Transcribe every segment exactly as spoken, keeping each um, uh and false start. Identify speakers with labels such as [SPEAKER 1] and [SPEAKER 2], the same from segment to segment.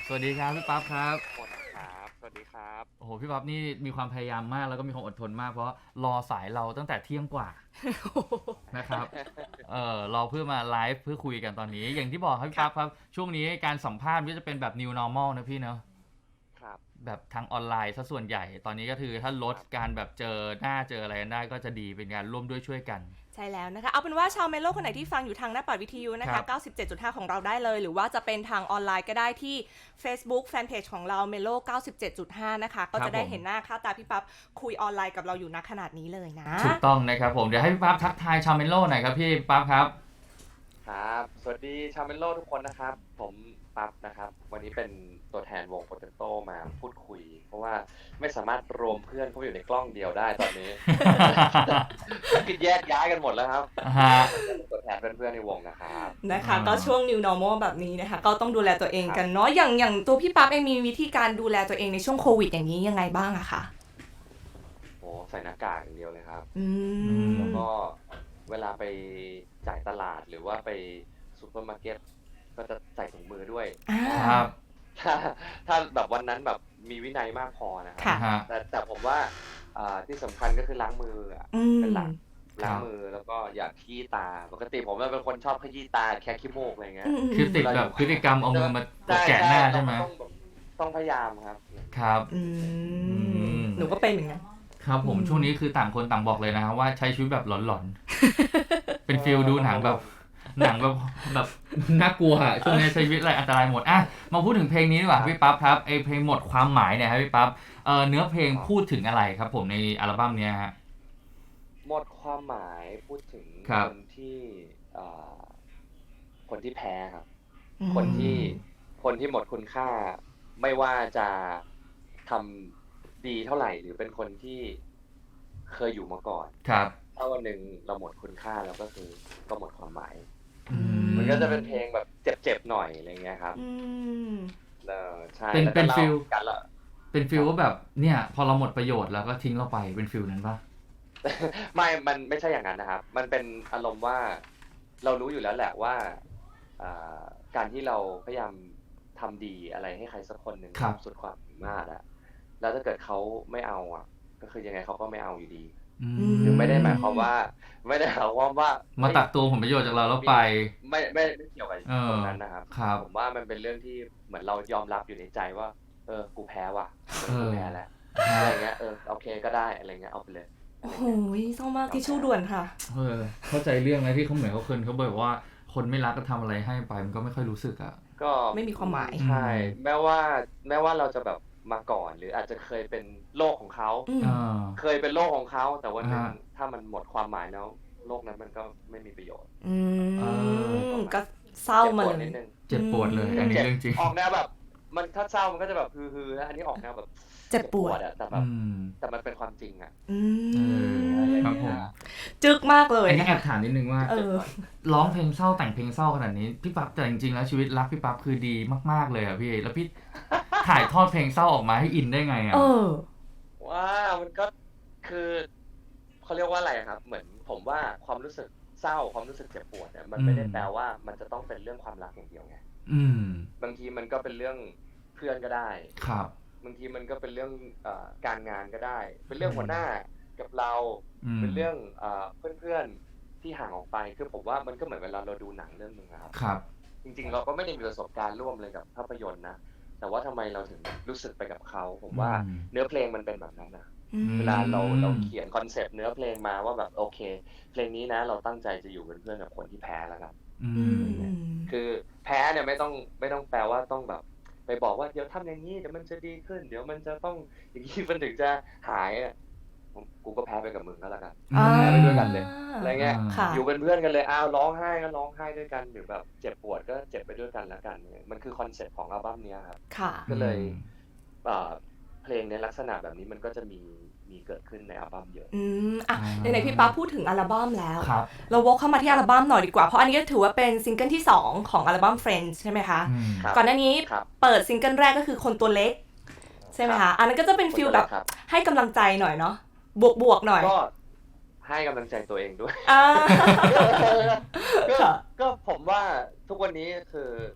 [SPEAKER 1] สวัสดีครับพี่ปั๊บครับ
[SPEAKER 2] หมดครับสวัสดีครับ
[SPEAKER 1] โอ้โหพี่ปั๊บนี่มีความพยายามมากแล้วก็มีความอดทนมากเพราะรอสายเราตั้งแต่เที่ยงกว่านะครับเออรอเพื่อมาไลฟ์เพื่อคุยกันตอนนี้อย่างที่บอกครับพี่
[SPEAKER 2] ครับ
[SPEAKER 1] ปั๊บครับช่วงนี้การสัมภาษณ์ก็จะเป็นแบบ นิว นอร์มัล นะพี่เนาะ
[SPEAKER 2] ครับ
[SPEAKER 1] แบบทางออนไลน์ซะส่วนใหญ่ตอนนี้ก็คือถ้าลด
[SPEAKER 2] ครับ
[SPEAKER 1] การแบบเจอหน้าเจออะไรกันได้ก็จะดีเป็นการร่วมด้วยช่วยกัน
[SPEAKER 3] ใช่แล้วนะคะเอาเป็นว่าชาวเมโลคนไหนที่ฟังอยู่ทางหน้าปัดวิทยุนะ
[SPEAKER 1] ครั
[SPEAKER 3] คะ
[SPEAKER 1] บ
[SPEAKER 3] เก้าสิบเจ็ดจุดห้า ของเราได้เลย หรือว่าจะเป็นทางออนไลน์ก็ได้ที่ Facebook Fanpage ของเรา Melo เก้าสิบเจ็ดจุดห้า นะคะก็จะได้เห็นหน้าค่าตาพี่ปั๊บคุยออนไลน์กับเราอยู่ณขนาดนี้เลยนะ
[SPEAKER 1] ถูกต้องนะครับผมเดี๋ยวให้พี่ปั๊บทักทายชาวเมโลหน่อยครับพี่ปั๊บครับ
[SPEAKER 2] ครับสวัสดีชาวเมนโลทุกคนนะครับผมปั๊บนะครับวันนี้เป็นตัวแทนวงโปเตโต้มาพูดคุย เพราะว่าไม่สามารถรวมเพื่อนเข้าไปอยู่ในกล้องเดียวได้ตอนนี้ คือแยกย้ายกันหมดแล้วครับ
[SPEAKER 1] ฮะ
[SPEAKER 2] ตัวแทนเพื่อนๆในวงนะครับ
[SPEAKER 3] นะคะ
[SPEAKER 1] อ่า
[SPEAKER 3] ก็ช่วง New Normal แบบนี้นะคะก็ต้องดูแลตัวเองกันเนาะอย่างอย่างตัวพี่ปั๊บเองมีวิธีการดูแลตัวเองในช่วงโควิดอย่างนี้ยังไงบ้างอะคะ
[SPEAKER 2] โอ้ใส่หน้ากากอย่างเดียวเลยครับ
[SPEAKER 3] อืม
[SPEAKER 2] แล้วก็เวลาไปจ่ายตลาดหรือว่าไปซูเปอร์มาร์เก็ตก็จะใส่ถุงมือด้วย
[SPEAKER 3] อ่า
[SPEAKER 1] ครับ
[SPEAKER 2] ถ้าถ้าแบบวันนั้นแบบมีวินัยมากพอนะครั
[SPEAKER 3] ค่ะ
[SPEAKER 1] ฮะ
[SPEAKER 2] แต่แต่ผมว่าอ่าที่สำคัญก็คือล้างมืออะ
[SPEAKER 3] อืม
[SPEAKER 2] เป็นหลัก
[SPEAKER 1] ครั
[SPEAKER 2] ล้าง
[SPEAKER 1] บ
[SPEAKER 2] มือแล้วก็อย่าขี้ตา ปกติผมเป็นคนชอบขยี้ตาแค่ขี้มูกอะไรเงี้ย
[SPEAKER 3] อืม
[SPEAKER 1] คือติดแบบพฤติกรรมเอามือมาแกะหน้าใช่ไหม
[SPEAKER 2] ต้องแบบต้องพยายามครับ
[SPEAKER 1] ครับ
[SPEAKER 3] อื
[SPEAKER 1] อื
[SPEAKER 3] ม
[SPEAKER 1] ม
[SPEAKER 3] หนูก็เป็นเหมือนกัน
[SPEAKER 1] ครับผม
[SPEAKER 3] อืม
[SPEAKER 1] ช่วงนี้คือต่างคนต่างบอกเลยนะครับว่าใช้ชีวิตแบบหลอนๆ เป็นฟิลดูหนังแบบหนังแบบแบบน่ากลัวอะช่วงนี้ใช้ชีวิตอะไรอันตรายหมดอ่ะมาพูดถึงเพลงนี้ดีกว่าพี่ปั๊บครับไอเพลงหมดความหมายเนี่ยครับพี่ปั๊บเออเนื้อเพลงพูดถึงอะไรครับผมในอัลบั้มเนี้ยฮะ
[SPEAKER 2] หมดความหมายพูดถึง
[SPEAKER 1] ครับ
[SPEAKER 2] คนที่เอ่อคนที่แพ้ครับ
[SPEAKER 3] อืม
[SPEAKER 2] คนที่คนที่หมดคุณค่า ไม่ว่าจะทำดีเท่าไหร่ หรือเป็นคนที่เคยอยู่มาก่อน
[SPEAKER 1] ครับ
[SPEAKER 2] ถ้าวันหนึ่งเราหมดคุณค่าแล้วก็คือก็หมดความหมาย
[SPEAKER 1] อืม
[SPEAKER 2] มันก็จะเป็นเพลงแบบเจ็บๆหน่อยอะไรเงี้ยครับ
[SPEAKER 3] อืม
[SPEAKER 2] เออใช่
[SPEAKER 1] เป็น
[SPEAKER 2] แล้วก็
[SPEAKER 1] เป็น
[SPEAKER 2] เล่า
[SPEAKER 1] ฟิล
[SPEAKER 2] กันละ
[SPEAKER 1] เป็นฟิลว่าแบบเนี่ยพอเราหมดประโยชน์แล้วก็ทิ้งเราไปเป็นฟิลนั้นปะ
[SPEAKER 2] ไม่ มันไม่ใช่อย่างนั้นนะครับ มันเป็นอารมณ์ว่าเรารู้อยู่แล้วแหละว่าอ่าการที่เราพยายามทำดีอะไรให้ใครสักคนหนึ่ง
[SPEAKER 1] ครับ
[SPEAKER 2] สุดความสามารถอะแล้วถ้าเกิดเขาไม่เอาอะก็คือยังไงเขาก็ไม่เอาอยู่ดี
[SPEAKER 1] อื
[SPEAKER 3] ม
[SPEAKER 2] คือไม่ได้หมายความว่า ไม่ได้หมายความว่า
[SPEAKER 1] มาตักตัวผลประโยชน์จากเราแล้วไป
[SPEAKER 2] ไม่ไม่ไม่เกี่ยวกับ
[SPEAKER 1] เออ
[SPEAKER 2] ตรงนั้นนะครับ
[SPEAKER 1] ครับ
[SPEAKER 2] ผมว่ามันเป็นเรื่องที่เหมือนเรายอมรับอยู่ในใจว่า เออ กูแพ้ว่ะเออกูแพ้แล้วอะไรเงี้ย เออ โอเคก็ได้อะไรเงี้ย เอาไปเลยอะ
[SPEAKER 3] โอ้
[SPEAKER 2] ไร
[SPEAKER 3] โห
[SPEAKER 2] เงี้ย
[SPEAKER 3] เศร้ามากทิชชู่ด่วนค่ะ
[SPEAKER 1] เออเข้าใจเรื่องนะที่เขาเหมือนเขาเคยเขาบอกว่าคนไม่รักก็ทำอะไรให้ไปมันก็ไม่ค่อยรู้สึกอ่ะ
[SPEAKER 2] ก็
[SPEAKER 3] ไม่มีความหมาย
[SPEAKER 2] ใช่
[SPEAKER 1] อืม
[SPEAKER 2] แม้ว่าแม้ว่าเราจะแบบมาก่อนหรืออาจจะเคยเป็นโลกของเขา
[SPEAKER 3] อืม
[SPEAKER 1] อ่า
[SPEAKER 2] เคยเป็นโลกของเขาแต่วันหนึ่ง
[SPEAKER 1] อ่า
[SPEAKER 2] ถ้ามันหมดความหมายแล้วโลกนั้นมันก็ไม่มีประโยชน์
[SPEAKER 3] อื
[SPEAKER 1] เอ
[SPEAKER 3] มก็เศร้า
[SPEAKER 2] เจ็บ
[SPEAKER 3] มา
[SPEAKER 2] ปวด
[SPEAKER 3] เล
[SPEAKER 2] นิ
[SPEAKER 3] ย
[SPEAKER 2] ดนึง
[SPEAKER 1] เจ็บปวดเลย อันนี้เรื่องจริง
[SPEAKER 2] ออกแนวแบบ มันถ้าเศร้ามันก็จะแบบฮือๆนะอันนี้ออกแนวแบบ
[SPEAKER 3] เจ็บปวด
[SPEAKER 2] อะแต่แบ
[SPEAKER 1] อื
[SPEAKER 2] บ
[SPEAKER 1] ม
[SPEAKER 2] แต่มันเป็นความจริงอะ
[SPEAKER 3] อื
[SPEAKER 1] เออ
[SPEAKER 3] ม
[SPEAKER 1] ครับผม
[SPEAKER 3] จึกมากเลย
[SPEAKER 1] อันนี้แอบถามนิดนึงว่า
[SPEAKER 3] เออ
[SPEAKER 1] ร้องเพลงเศร้าแต่งเพลงเศร้าขนาดนี้พี่ปั๊บแต่จริงๆแล้วชีวิตรักพี่ปั๊บคือดีมากๆเลยอ่ะพี่แล้วพี่ ถ่ายทอดเพลงเศร้าออกมาให้อินได้ไงอ่ะ
[SPEAKER 3] เออ
[SPEAKER 2] ว่ามันก็คือเขาเรียกว่าอะไรครับ เหมือนผมว่าความรู้สึกเศร้าความรู้สึกเจ็บปวดเนี่ยมันไม่ได้
[SPEAKER 1] อืม
[SPEAKER 2] แปลว่ามันจะต้องเป็นเรื่องความรักอย่างเดียวไง
[SPEAKER 1] อืม
[SPEAKER 2] บางทีมันก็เป็นเรื่องเพื่อนก็ได้
[SPEAKER 1] ครับ
[SPEAKER 2] บางทีมันก็เป็นเรื่องเอ่อการงานก็ได้ เป็นเรื่องหัวหน้ากับเรา
[SPEAKER 1] อืม
[SPEAKER 2] เป็นเรื่องเอ่อเพื่อนๆที่ห่างออกไปคือผมว่ามันก็เหมือนเวลาเราดูหนังเรื่องหนึ่งอะครับ
[SPEAKER 1] ครับ
[SPEAKER 2] จริงๆ เราก็ไม่ได้มีประสบการณ์ร่วมเลยกับภาพยนตร์นะ แต่ว่าทำไมเราถึงรู้สึกไปกับเขา ผมว่า
[SPEAKER 1] อืม
[SPEAKER 2] เนื้อเพลงมันเป็นแบบนั้นนะ
[SPEAKER 3] อืม
[SPEAKER 2] เวลาเราเราเขียนคอนเซปต์เนื้อเพลงมาว่าแบบโอเค เพลงนี้นะเราตั้งใจจะอยู่เป็นเพื่อนกับคนที่แพ้แล้วครับ
[SPEAKER 1] อื
[SPEAKER 3] อื
[SPEAKER 1] ม
[SPEAKER 3] ม
[SPEAKER 2] คือแพ้เนี่ยไม่ต้องไม่ต้องแปลว่าต้องแบบ ไปบอกว่าเดี๋ยวทำอย่างนี้เดี๋ยวมันจะดีขึ้น เดี๋ยวมันจะต้องอย่างนี้มันถึงจะหายอะผมกูก็แพ้ไปกับมึงก็แล้วกัน
[SPEAKER 1] อืม
[SPEAKER 2] แพ้ไปด้วยกันเลย อะไรเงี้ย
[SPEAKER 3] ค่ะ
[SPEAKER 2] อยู่เป็นเพื่อนกันเลย อ้าวร้องไห้ก็ร้องไห้ด้วยกัน หรือแบบเจ็บปวดก็เจ็บไปด้วยกันแล้วกันเนี่ยมันคือคอนเซ็ปต์ของอัลบั้มเนี้ยครับ
[SPEAKER 3] ค่ะ
[SPEAKER 2] ก็เลยเอ่อเพลงในลักษณะแบบนี้มันก็จะมีมีเกิดขึ้นในอัลบั้มเยอะ
[SPEAKER 3] อืมอ่ะ
[SPEAKER 1] อ่า
[SPEAKER 3] ไหนๆพี่ปั๊บพูดถึงอัลบั้มแล้ว
[SPEAKER 1] ครับ
[SPEAKER 3] เราวกเข้ามาที่อัลบั้มหน่อยดีกว่า เพราะอันนี้ก็ถือว่าเป็นซิงเกิลที่สองของอัลบั้ม Friends ใช่ไหมคะ
[SPEAKER 1] อืม
[SPEAKER 2] ครับ
[SPEAKER 3] ก่อนหน้านี้
[SPEAKER 2] ครับ
[SPEAKER 3] เปิดซิงเกิลแรกก็คือคนตัวเล็ก ใช่ไหม
[SPEAKER 2] ครั
[SPEAKER 3] คะ
[SPEAKER 2] บ
[SPEAKER 3] อันนั้นก็จะเป็นฟิลแบบ
[SPEAKER 2] ครับ
[SPEAKER 3] ให้กำลังใจหน่อยเนาะ บวกบวกๆหน่อย
[SPEAKER 2] ก็ให้กำลังใจตัวเองด้วย
[SPEAKER 3] อ่า
[SPEAKER 2] ก็
[SPEAKER 3] ค่ะ
[SPEAKER 2] ก็ผมว่าทุกวันนี้คือ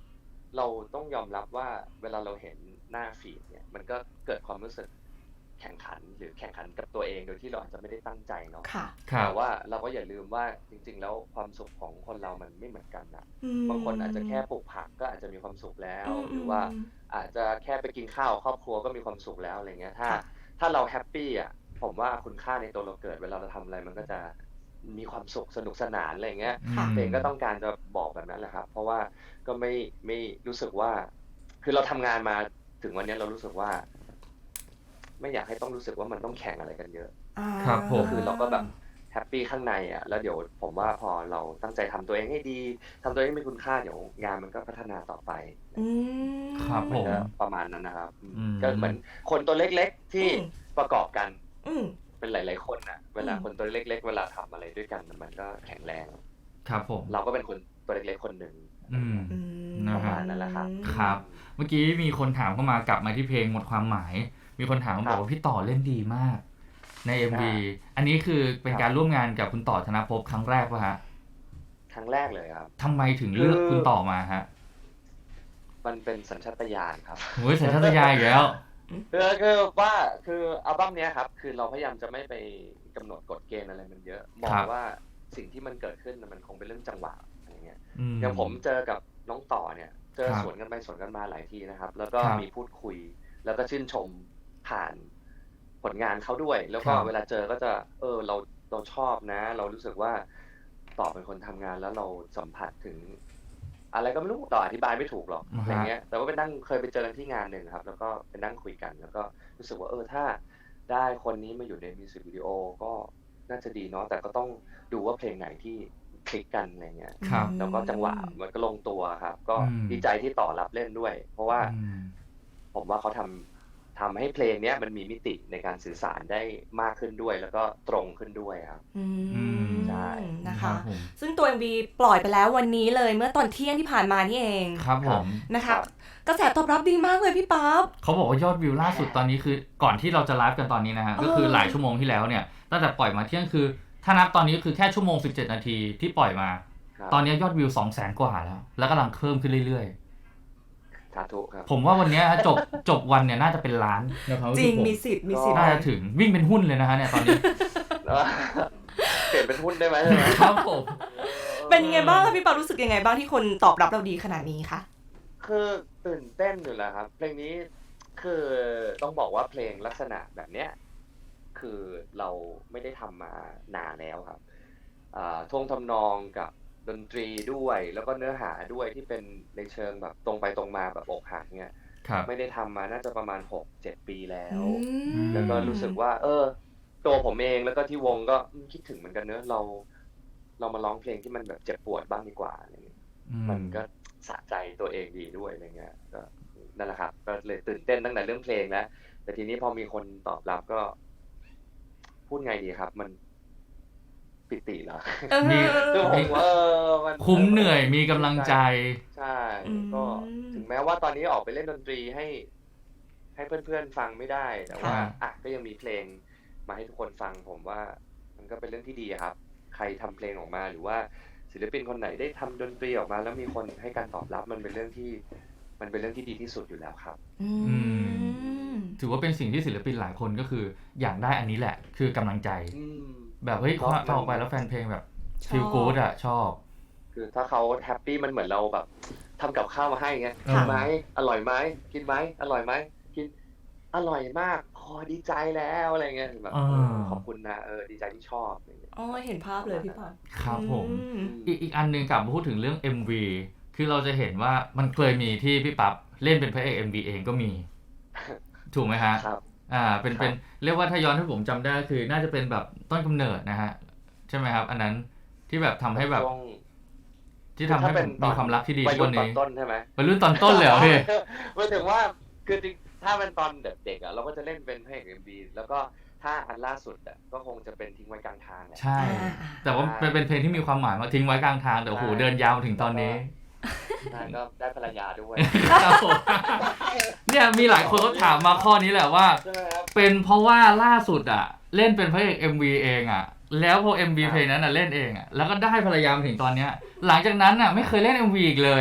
[SPEAKER 2] เราต้องยอมรับว่าเวลาเราเห็นหน้าฟีดเนี่ยมันก็เกิดความรู้สึกแข่งขันหรือแข่งขันกับตัวเองโดยที่เราอาจจะไม่ได้ตั้งใจเนาะ
[SPEAKER 3] ค่ะ
[SPEAKER 1] ครับ
[SPEAKER 2] แต่ว่าเราก็อย่าลืมว่าจริง ๆ แล้วความสุขของคนเรามันไม่เหมือนกันนะ
[SPEAKER 3] อืม
[SPEAKER 2] บางคนอาจจะแค่ปลูกผักก็อาจจะมีความสุขแล้ว
[SPEAKER 3] อืม
[SPEAKER 2] หรือว่า
[SPEAKER 3] อืม
[SPEAKER 2] อาจจะแค่ไปกินข้าวกับครอบครัวก็มีความสุขแล้วอะไรเงี้ยถ้า
[SPEAKER 3] ค่ะ
[SPEAKER 2] ถ้าเราแฮปปี้อ่ะผมว่าคุณค่าในตัวเราเกิดเวลาเราทำอะไรมันก็จะมีความสุขสนุกสนานอะไรเงี้ย
[SPEAKER 3] ค่ะ
[SPEAKER 2] เพลงก็ต้องการจะบอกแบบนั้นแหละครับ เพราะว่าก็ไม่ไม่รู้สึกว่า คือเราทำงานมาถึงวันนี้เรารู้สึกว่า ไม่อยากให้ต้องรู้สึกว่ามันต้องแข่งอะไรกันเยอะ
[SPEAKER 3] อ่า
[SPEAKER 1] ครับผม
[SPEAKER 2] คือเราก็แบบแฮปปี้ข้างในอ่ะแล้วเดี๋ยวผมว่าพอเราตั้งใจทำตัวเองให้ดีทำตัวเองให้มีคุณค่าเดี๋ยวงานมันก็พัฒนาต่อไป
[SPEAKER 3] อืม
[SPEAKER 1] ครับผ
[SPEAKER 2] มัน
[SPEAKER 1] ม
[SPEAKER 2] ก็ประมาณนั้นนะครับอืม
[SPEAKER 1] อืม
[SPEAKER 2] ก็เหมือนคนตัวเล็กๆที่
[SPEAKER 3] อืม
[SPEAKER 2] ประกอบกัน
[SPEAKER 3] อืม
[SPEAKER 2] เป็นหลาย ๆ คนอ่ะ เวลา
[SPEAKER 3] อืม
[SPEAKER 2] คนตัวเล็ก ๆ เวลาทำอะไรด้วยกันมันก็แข็งแรง
[SPEAKER 1] ครับผม
[SPEAKER 2] เราก็เป็นคนตัวเล็ก ๆ คนหนึ่ง
[SPEAKER 1] อืม
[SPEAKER 3] อืม
[SPEAKER 1] นะ
[SPEAKER 2] ประ
[SPEAKER 1] ฮะ
[SPEAKER 2] มาณนั้นแหละครับ
[SPEAKER 1] ครับ เมื่อกี้มีคนถามเข้ามากลับมาที่เพลงหมดความหมาย มีคนถามมาบอกว่าพี่ต่อเล่นดีมาก ใน เอ็ม วี อันนี้คือเป็นการร่วมงานกับคุณต่อธนภพครั้งแรกป่ะฮะ
[SPEAKER 2] ครั้งแรกเลยครับ
[SPEAKER 1] ทำไมถึงเลือก
[SPEAKER 2] คือ
[SPEAKER 1] คุณต่อมาฮะ
[SPEAKER 2] มันเป็นสัญชาตญาณครับ
[SPEAKER 1] โอ้ยสัญชาตญาณอีกแล้ว
[SPEAKER 2] คือคือว่าคืออัลบั้มเนี้ยครับ คือเราพยายามจะไม่ไปกำหนดกฎเกณฑ์อะไรมันเยอะมอ
[SPEAKER 1] ครั
[SPEAKER 2] ง
[SPEAKER 1] บ
[SPEAKER 2] ว่าสิ่งที่มันเกิดขึ้นน่ะมันคงเป็นเรื่องจังหวะอะไรเงี้ย
[SPEAKER 1] อืม
[SPEAKER 2] อย่างผมเจอกับน้องต่อเนี่ย เจอ
[SPEAKER 1] ครับ
[SPEAKER 2] สวนกันไปสวนกันมาหลายทีนะครับ แล้วก็
[SPEAKER 1] ครับ
[SPEAKER 2] มีพูดคุย แล้วก็ชื่นชมผ่านผลงานเขาด้วย แล้วก็
[SPEAKER 1] ครับ
[SPEAKER 2] เวลาเจอก็จะเออเราเราชอบนะ เรารู้สึกว่าต่อเป็นคนทำงานแล้วเราสัมผัสถึง อะไรก็ไม่รู้ต่ออธิบายไม่ถูกหรอก
[SPEAKER 1] อ่าฮะ
[SPEAKER 2] อะไรเงี้ย แต่ว่าไปนั่งเคยไปเจอกันที่งานหนึ่งครับ แล้วก็ไปนั่งคุยกัน แล้วก็รู้สึกว่าเออถ้าได้คนนี้มาอยู่ในมิวสิกวิดีโอก็น่าจะดีเนาะแต่ก็ต้องดูว่าเพลงไหนที่คลิกกันอะไรเงี้ย
[SPEAKER 1] ครับ
[SPEAKER 2] แล้วก็จังหวะมันก็ลงตัวครับ ก็
[SPEAKER 1] อืม
[SPEAKER 2] ดีใจที่ต่อรับเล่นด้วย เพราะว่า
[SPEAKER 1] อืม
[SPEAKER 2] ผมว่าเขาทำทำให้เพลงเนี้ยมันมีมิติในการสื่อสารได้มากขึ้นด้วย แล้วก็ตรงขึ้นด้วยครับ
[SPEAKER 3] อื
[SPEAKER 1] อืม
[SPEAKER 3] ม
[SPEAKER 2] ใช่
[SPEAKER 3] นะ
[SPEAKER 1] ครั
[SPEAKER 3] คะ
[SPEAKER 1] บผม
[SPEAKER 3] ซึ่งตัว เอ็ม วี ปล่อยไปแล้ววันนี้เลยเมื่อตอนเที่ยงที่ผ่านมานี่เอง
[SPEAKER 1] ครับผม
[SPEAKER 3] นะ
[SPEAKER 2] ครั
[SPEAKER 3] คะ
[SPEAKER 2] บ
[SPEAKER 3] กระแสตอบรับดีมากเลยพี่ป๊าบ
[SPEAKER 1] เขาบอกว่ายอดวิวล่าสุดตอนนี้คือก่อนที่เราจะไลฟ์กันตอนนี้นะฮะ
[SPEAKER 3] เออ
[SPEAKER 1] ก็คือหลายชั่วโมงที่แล้วเนี่ยตั้งแต่ปล่อยมาเที่ยงคือ ถ้านับตอนนี้คือแค่ชั่วโมงสิบเจ็ดนาทีที่ปล่อยมา
[SPEAKER 2] ครับ
[SPEAKER 1] ตอนนี้ยอดวิว สองแสน กว่าแล้ว แล้วกำลังเพิ่มขึ้นเรื่อย
[SPEAKER 2] สาธุครับ
[SPEAKER 1] ๆ ผมว่าวันเนี้ยจบจบวันเนี่ยน่าจะเป็นล้านในความ
[SPEAKER 3] จ
[SPEAKER 1] รู้
[SPEAKER 3] ริ
[SPEAKER 1] สึ
[SPEAKER 3] ง
[SPEAKER 1] กผม
[SPEAKER 3] มีสิทธิ์มีสิทธิ์
[SPEAKER 1] น่าจะถึงวิ่งเป็นหุ้นเลยนะฮะเนี่ยตอนนี้
[SPEAKER 2] แล้ว เปลี่ยนเป็นหุ้นได้ไหมใช่ไหม
[SPEAKER 1] ครับผม
[SPEAKER 3] เป็นยังไงบ้างคะพี่ป๊าบรู้สึกยังไงบ้างที่คนตอบรับเราดีขนาดนี้คะ
[SPEAKER 2] คือตื่นเต้นอยู่แล้วครับ เพลงนี้คือต้องบอกว่าเพลงลักษณะแบบเนี้ยคือเราไม่ได้ทำมานานแล้วครับอ่าท่วงทำนองกับดนตรีด้วย แล้วก็เนื้อหาด้วยที่เป็นในเชิงแบบตรงไปตรงมาแบบอกหักเนี่ย
[SPEAKER 1] ครับ
[SPEAKER 2] ไม่ได้ทำมาน่าจะประมาณหกเจ็ดปีแล้ว
[SPEAKER 3] อืม
[SPEAKER 2] แล้วก็รู้สึกว่า เออ ตัวผมเองแล้วก็ที่วงก็อืมคิดถึงเหมือนกันเนอะเรา เรามาร้องเพลงที่มันแบบเจ็บปวดบ้างดีกว่าอะไรเงี้ย
[SPEAKER 1] อื
[SPEAKER 2] มันก็สะใจตัวเองดีด้วยอะไรเงี้ยก็นั่นแหละครับ ก็เลยตื่นเต้นตั้งแต่เรื่องเพลงแล้วแต่ทีนี้พอมีคนตอบรับก็ พูดไงดีครับ มันปิติเหรอ
[SPEAKER 3] เออ
[SPEAKER 1] มี
[SPEAKER 2] คือผมว่าเออมัน
[SPEAKER 1] คุ้มเหนื่อยมีกำลังใจ
[SPEAKER 2] ใช่
[SPEAKER 3] อืม
[SPEAKER 2] ก็ถึงแม้ว่าตอนนี้ออกไปเล่นดนตรีให้ ให้เพื่อนๆฟังไม่ได้ แต่ว่า
[SPEAKER 1] ค่ะ
[SPEAKER 2] อ่ะก็ยังมีเพลงมาให้ทุกคนฟัง ผมว่า มันก็เป็นเรื่องที่ดีอะครับ ใครทำเพลงออกมาหรือว่าศิลปินคนไหนได้ทำดนตรีออกมา แล้วมีคนให้การตอบรับมันเป็นเรื่องที่ มันเป็นเรื่องที่ดีที่สุดอยู่แล้วครับ
[SPEAKER 3] อืม
[SPEAKER 1] ถือว่าเป็นสิ่งที่ศิลปินหลายคนก็คืออยากได้อันนี้แหละ คือกำลังใจ
[SPEAKER 2] อืม
[SPEAKER 1] แบบเฮ้ย
[SPEAKER 2] เพราะ
[SPEAKER 1] ฟังออกไป
[SPEAKER 2] มัน
[SPEAKER 1] แล้วแฟนเพลงแบบ
[SPEAKER 3] ชอบ
[SPEAKER 1] ฟีลกู๊ดอะชอบ
[SPEAKER 2] คือถ้าเขาแฮปปี้มันเหมือนเราแบบทำกับข้าวมาให้เงี้ย
[SPEAKER 1] ค่ะ
[SPEAKER 2] กินไหมอร่อยไหมกินไหมอร่อยไหมกินอร่อยมากพอดีใจแล้วอะไรเงี้ยแบบ
[SPEAKER 1] อ่า
[SPEAKER 2] เออขอบคุณนะเออดีใจที่ชอบอะไรเงี้ย
[SPEAKER 3] อ๋อเห็นภาพเลยพี่ป๊าบ
[SPEAKER 1] ครับผม
[SPEAKER 3] อืม
[SPEAKER 1] อีกอีกอันหนึงกลับมาพูดถึงเรื่อง เอ็ม วี คือเราจะเห็นว่ามันเคยมีที่พี่ปั๊บเล่นเป็นพระเอก เอ็ม วี เองก็มี ถูกไหมฮะ
[SPEAKER 2] ครับ
[SPEAKER 1] อ่า เป็น
[SPEAKER 2] ครับ
[SPEAKER 1] เป็นเรียกว่าถ้าย้อนให้ผมจำได้คือน่าจะเป็นแบบต้นกำเนิดนะฮะ ใช่ไหมครับ อันนั้นที่แบบทำให้แบบ
[SPEAKER 2] ช่วง
[SPEAKER 1] ที่ทำให้
[SPEAKER 2] ถ้าเป็น
[SPEAKER 1] ผมมีความรักที่ดี
[SPEAKER 2] วัย
[SPEAKER 1] ทุก
[SPEAKER 2] รุ่
[SPEAKER 1] วัน น
[SPEAKER 2] ตอน
[SPEAKER 1] นี้
[SPEAKER 2] ต้นใช่ไหม
[SPEAKER 1] วัยรุ่นตอนต้นเลยเหรอพี่
[SPEAKER 2] หมายถึงว่าคือจริงถ้าเป็นตอนเด็กๆอ่ะเราก็จะเล่นเป็นพระเอกเอ็มบีแล้วก็ถ้าอันล่าสุดอ่ะก็คงจะเป็นทิ้งไว้กลางทางแหละ
[SPEAKER 1] ใช่
[SPEAKER 3] อ่า
[SPEAKER 1] แต่ว่าเป็นเป็นเพลงที่มีความหมายมากทิ้งไว้กลางทางแต่โอ้โห
[SPEAKER 2] ใช่
[SPEAKER 1] เดินยาวมาถึงตอนนี้
[SPEAKER 2] ใช่ก็ได้ภรรยาด้วย
[SPEAKER 1] ครับผมเนี่ยมีหลายคนเขาถามมาข้อนี้แหละว่า
[SPEAKER 2] ใช่ไหมครับ
[SPEAKER 1] เป็นเพราะว่าล่าสุดอ่ะ เล่นเป็นพระเอก เอ็ม วี เองอ่ะ แล้วพอ เอ็ม วี
[SPEAKER 2] ครับ
[SPEAKER 1] เพลงนั้นอ่ะเล่นเองอ่ะแล้วก็ได้ภรรยามาถึงตอนเนี้ยหลังจากนั้นอ่ะไม่เคยเล่น เอ็ม วี อีกเลย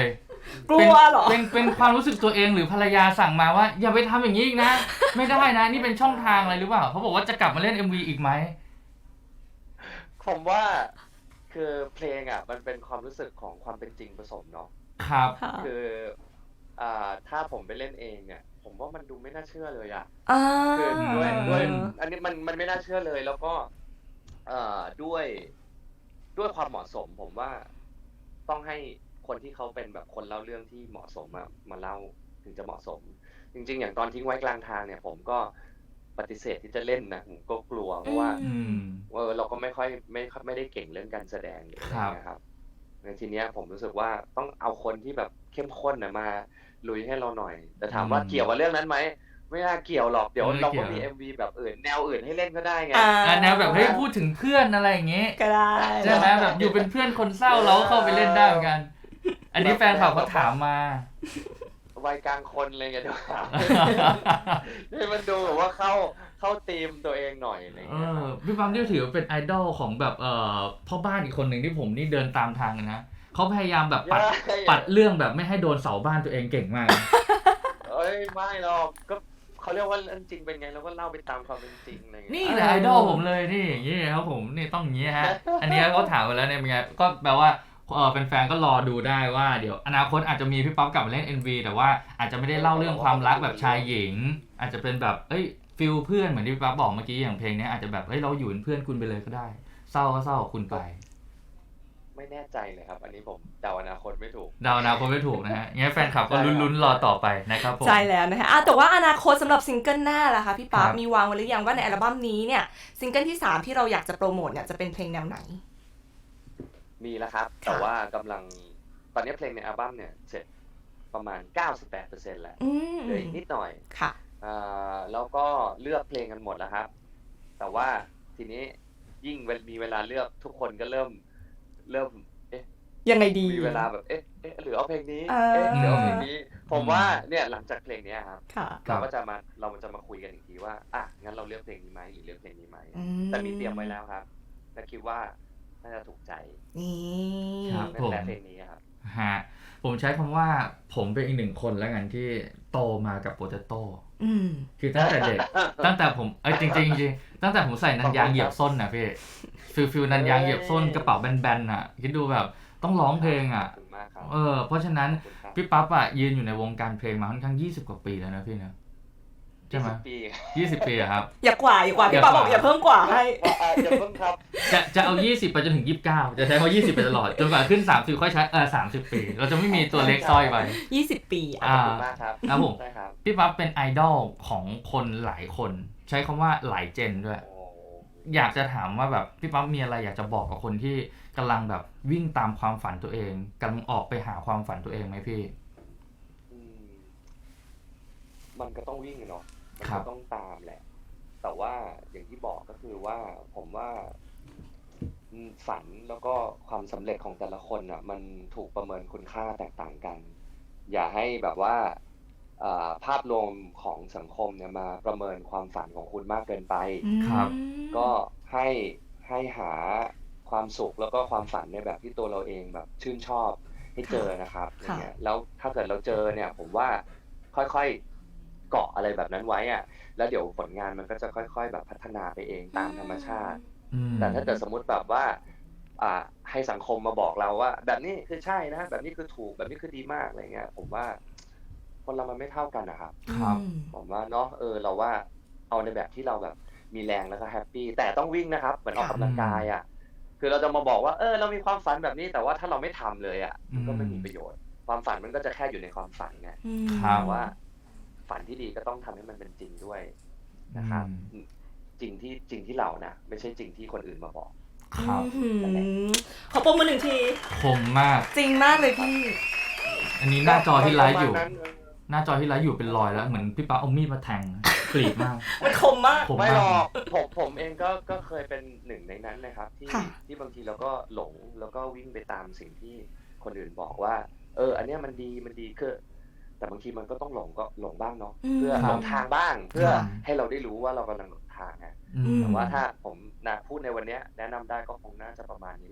[SPEAKER 3] กลัวเหรอ
[SPEAKER 1] เป็นเป็นความรู้สึกตัวเองหรือภรรยาสั่งมาว่าอย่าไปทำอย่างนี้อีกนะ ไม่ได้นะนี่เป็นช่องทางอะไรหรือเปล่าเขาบอกว่าจะกลับมาเล่น เอ็ม วี อีกไหม
[SPEAKER 2] ผมว่าคือเพลงอ่ะมันเป็นความรู้สึกของความเป็นจริงผสมเนาะ
[SPEAKER 1] ครับ
[SPEAKER 3] ค่ะ
[SPEAKER 2] คืออ่าถ้าผมไปเล่นเองเนี่ย ผมว่ามันดูไม่น่าเชื่อเลยอ่ะ
[SPEAKER 3] อ่า
[SPEAKER 2] คือด้วยด้วยอันนี้มันมันไม่น่าเชื่อเลย แล้วก็เอ่อด้วยด้วยความเหมาะสม ผมว่าต้องให้คนที่เขาเป็นแบบคนเล่าเรื่องที่เหมาะสมมามาเล่าถึงจะเหมาะสม จริงๆ อย่างตอนทิ้งไว้กลางทางเนี่ย ผมก็ปฏิเสธที่จะเล่นนะผมก็กลัวเพราะว่า
[SPEAKER 1] อืม
[SPEAKER 2] เออเราก็ไม่ค่อยไม่ค่อยไม่ได้เก่งเรื่องการแสดงหรืออะไร
[SPEAKER 1] ครับ
[SPEAKER 2] เงี้ยครับในทีเนี้ยผมรู้สึกว่าต้องเอาคนที่แบบเข้มข้นนะมาลุยให้เราหน่อย แต่ถามว่า
[SPEAKER 1] อืม
[SPEAKER 2] เกี่ยวกับเรื่องนั้นไหมไม่น่าเกี่ยวหรอกเดี๋ยว
[SPEAKER 1] ไม่
[SPEAKER 2] เรา
[SPEAKER 1] เกี่
[SPEAKER 2] ก็
[SPEAKER 1] ยว
[SPEAKER 2] มี เอ็ม วี แบบอื่นแนวอื่นให้เล่นก็ได้ไง
[SPEAKER 3] อ่า
[SPEAKER 1] อ่ะแนวแบบเฮ้ยพูดถึงเพื่อนอะไรอย่างเงี้ย
[SPEAKER 3] ก็ได้
[SPEAKER 1] ใช่ไหมแบบอยู่เป็นเพื่อนคนเศร้าเราก็เข้าไปเล่นได้เหมือนกัน อันนี้แฟนคลับเขาถามมา
[SPEAKER 2] วัยกลางคนอะไรเงี้ยเดี๋ยวหา ให้มันดูแบบว่าเข้าเข้าธีมตัวเองหน่อยอะไร
[SPEAKER 1] เอ
[SPEAKER 2] เงี้ยค
[SPEAKER 1] อ
[SPEAKER 2] รับ
[SPEAKER 1] พี่ปั๊มที่ถือว่าเป็นไอดอลของแบบเอ่อพ่อบ้านอีกคนหนึ่งที่ผมนี่เดินตามทางกันนะเขาพยายามแบบปัด
[SPEAKER 2] ใช่
[SPEAKER 1] ปัดเรื่องแบบไม่ให้โดนเสาบ้านตัวเองเก่งมาก
[SPEAKER 2] เอ้ยไม่หรอกก็เขาเรียกว่าเรื่องจริงเป็นไงเราก็เล่าไปตามความเป็นจริงอะไรเงี้ย
[SPEAKER 1] นี่แหละไอดอลผมเลยนี่อย่างนี้ครับผมนี่ต้องอย่างนี้ฮะ อันนี้เขาถามมาแล้วเนี่ยเป็นไงก็แปลว่าเออแฟนๆก็รอดูได้ว่าเดี๋ยวอนาคตอาจจะมีพี่ป๊อปกลับมาเล่น เอ็ม วี แต่ว่าอาจจะไม่ได้เล่าเรื่องความรักแบบชายหญิง อาจจะเป็นแบบเอ้ยฟิลเพื่อนเหมือนที่พี่ป๊อปบอกเมื่อกี้อย่างเพลงนี้อาจจะแบบเฮ้ยเราอยู่เป็นเพื่อนคุณไปเลยก็ได้ เศร้าก็เศร้ากับคุณไป
[SPEAKER 2] ไม่แน่ใจเลยครับ อันนี้ผมเดาอนาคตไม่ถูก
[SPEAKER 1] เดาอนาคตไม่ถูกนะฮะงั้นแฟนคลับก็ลุ้นๆรอต่อไปนะครับผม
[SPEAKER 3] ใช่แล้วนะคะอ่ะแต่ว่าอนาคตสำหรับซิงเกิลหน้าล่ะคะพี่ป๊า
[SPEAKER 1] ครับ
[SPEAKER 3] มีวางไว้หรือยังว่าในอัลบั้มนี้เนี่ยซิงเกิลที่สามที่เราอยากจะโปรโมทเนี่ยจะเป็นเพลงแนวไหน
[SPEAKER 2] มีแล้วครับ แต่ว่ากำลังตอนนี้เพลงในอัลบั้มเนี่ยเสร็จประมาณ เก้าสิบแปดเปอร์เซ็นต์ แล้ว
[SPEAKER 3] อืม
[SPEAKER 2] เหลืออีกนิดหน่อย
[SPEAKER 3] ค่ะ
[SPEAKER 2] อ่าแล้วก็เลือกเพลงกันหมดแล้วครับ แต่ว่าทีนี้ยิ่งมีเวลาเลือกทุกคนก็เริ่มเริ่มเอ๊ะ
[SPEAKER 3] ยังไงดี
[SPEAKER 2] มีเวลาแบบเอ๊ะเอ๊ะหรือเอาเพลงนี้
[SPEAKER 3] เออ
[SPEAKER 2] เอ๊ะหรือเอาเพลงนี้ ผมว่าเนี่ยหลังจากเพลงเนี้ยครับ
[SPEAKER 3] ค่ะ
[SPEAKER 1] ครั
[SPEAKER 2] เรา
[SPEAKER 1] บ
[SPEAKER 2] ก็จะมาเราจะมาคุยกันอีกทีว่าอ่ะงั้นเราเลือกเพลงนี้ไหมหรือเลือกเพลงนี้ไหม
[SPEAKER 3] อื
[SPEAKER 2] แต่มีเตรียมไว้แล้วครับและคิดว่าน่าจะถูกใจ
[SPEAKER 3] นี่
[SPEAKER 1] ครับ
[SPEAKER 2] นั่นแหละเพลงนี้ครับ
[SPEAKER 1] ฮะผมใช้คำว่าผมเป็นอีกหนึ่งคนแล้วกันที่โตมากับโปเตโต้
[SPEAKER 3] อืม
[SPEAKER 1] คือตั้งแต่เด็ก ตั้งแต่ผมเอ้ยจริงๆจริงๆตั้งแต่ผมใส่นันยางเหยียบส้นนะพี่ฟิลฟิลนันยางเหยียบส้นกระเป๋าแบนๆอ่ะคิดดูแบบต้องร้องเพลงอ่ะ
[SPEAKER 2] ขอบคุณมากครับ
[SPEAKER 1] เออเพราะฉะนั้น
[SPEAKER 2] ขอบคุณครับ
[SPEAKER 1] พี่ปั๊บอ่ะยืนอยู่ในวงการเพลงมาค่อนข้างยี่สิบกว่าปีแล้วนะพี่นะใช่ไหม
[SPEAKER 2] ยี่สิบปี
[SPEAKER 1] ยี่สิบปีอะครับ
[SPEAKER 3] อย่ากว่าอย่ากว่าพี่ป๊าบอกอย่าเพิ่มกว่าให้
[SPEAKER 2] อ่าอย่าเพิ่งครับ
[SPEAKER 1] จะจะเอายี่สิบไปจนถึงยี่สิบเก้าจะใช้คำว่ายี่สิบไปตลอดจนกว่าขึ้นสามสิบค่อยใช้เออสามสิบปี เราจะไม่มีตัวเลขสร้อยไป
[SPEAKER 3] ยี่สิบปี
[SPEAKER 2] ข
[SPEAKER 3] อ่ะ
[SPEAKER 2] อบคุณมากครับ
[SPEAKER 1] ครับผม
[SPEAKER 2] ได้ครับ
[SPEAKER 1] พี่ปั๊บเป็นไอดอลของคนหลายคน ใช้คำว่าหลายเจนด้วย
[SPEAKER 2] โอ้
[SPEAKER 1] อยากจะถามว่าแบบพี่ปั๊บมีอะไรอยากจะบอกกับคนที่กำลังแบบวิ่งตามความฝันตัวเองกำลังออกไปหาความฝันตัวเองไหมพี่
[SPEAKER 2] อืมมันก็ต้องวิ่งอะเนาะมัน
[SPEAKER 1] ครั
[SPEAKER 2] ก็
[SPEAKER 1] บ
[SPEAKER 2] ต้องตามแหละ แต่ว่าอย่างที่บอกก็คือว่าผมว่าอืมฝันแล้วก็ความสำเร็จของแต่ละคนอ่ะ มันถูกประเมินคุณค่าแตกต่างกัน อย่าให้แบบว่าอ่าภาพรวมของสังคมเนี่ยมาประเมินความฝันของคุณมากเกินไป
[SPEAKER 1] ครับ
[SPEAKER 3] อืม
[SPEAKER 2] ก็ให้ให้หาความสุขแล้วก็ความฝันในแบบที่ตัวเราเองแบบชื่นชอบให้เจอนะครับอย่างเงี้ยแล้วถ้าเกิดเราเจอเนี่ย ผมว่าค่อยๆเกาะอะไรแบบนั้นไว้อะแล้วเดี๋ยวผลงานมันก็จะค่อยๆแบบพัฒนาไปเองตามธรรมชาติ
[SPEAKER 1] อืม
[SPEAKER 2] แต่ถ้าเกิดสมมุติแบบว่า อ่า ให้สังคมมาบอกเราว่า แบบนี้คือใช่นะ แบบนี้คือถูกแบบนี้คือดีมากอะไรเงี้ย ผมว่า คนเรามันไม่เท่ากันนะครับ
[SPEAKER 1] ครับ
[SPEAKER 3] อืม
[SPEAKER 2] ผมว่าเนาะเออเราว่าเอาในแบบที่เราแบบมีแรงแล้วก็แฮปปี้แต่ต้องวิ่งนะครับ เหมือนออกกำลังกายอ่ะคือเราจะมาบอกว่าเออเรามีความฝันแบบนี้แต่ว่าถ้าเราไม่ทำเลยอ่ะมันก็ไม่มีประโยชน์ ความฝันมันก็จะแค่อยู่ในความฝันไง
[SPEAKER 3] อืม
[SPEAKER 1] ครับ
[SPEAKER 2] แต่ว่า ฝันที่ดีก็ต้องทำให้มันเป็นจริงด้วยนะครับ จริงที่จริงที่เรานะไม่ใช่จริงที่คนอื่นมาบอก
[SPEAKER 1] ครับ
[SPEAKER 3] อืมขอปรบมือหนึ่งที
[SPEAKER 1] คมมาก
[SPEAKER 3] จริงมากเลยพี่
[SPEAKER 1] อันนี้หน้าจอที่ไลฟ์อยู่
[SPEAKER 2] ประมาณนั้น
[SPEAKER 1] หน้าจอที่ไลฟ์อยู่เป็นรอยแล้วเหมือนพี่ปั๊บเอามีดมาแทงกรีดมาก
[SPEAKER 3] มันคมมาก
[SPEAKER 1] ผม
[SPEAKER 2] ไม่หร
[SPEAKER 1] มา
[SPEAKER 2] อก กผมผมเองก็ก็เคยเป็นหนึ่งในนั้นนะครับ ที่
[SPEAKER 3] ค่ะ
[SPEAKER 2] ที่บางทีเราก็หลงแล้วก็วิ่งไปตามสิ่งที่คนอื่นบอกว่า เออ อันเนี้ยมันดีมันดีคือแต่บางทีมันก็ต้องหลงก็หลงบ้างเนาะ
[SPEAKER 3] อืม
[SPEAKER 2] เพื่อ
[SPEAKER 1] ครั
[SPEAKER 2] หล
[SPEAKER 1] บ
[SPEAKER 2] งทางบ้าง เพื่อ
[SPEAKER 1] ครับ
[SPEAKER 2] ให้เราได้รู้ว่าเรากำลังหลงทางไง
[SPEAKER 1] อืม
[SPEAKER 2] แต่ว่าถ้าผมนะพูดในวันเนี้ยแนะนำได้ก็คงน่าจะประมาณนี้แหละ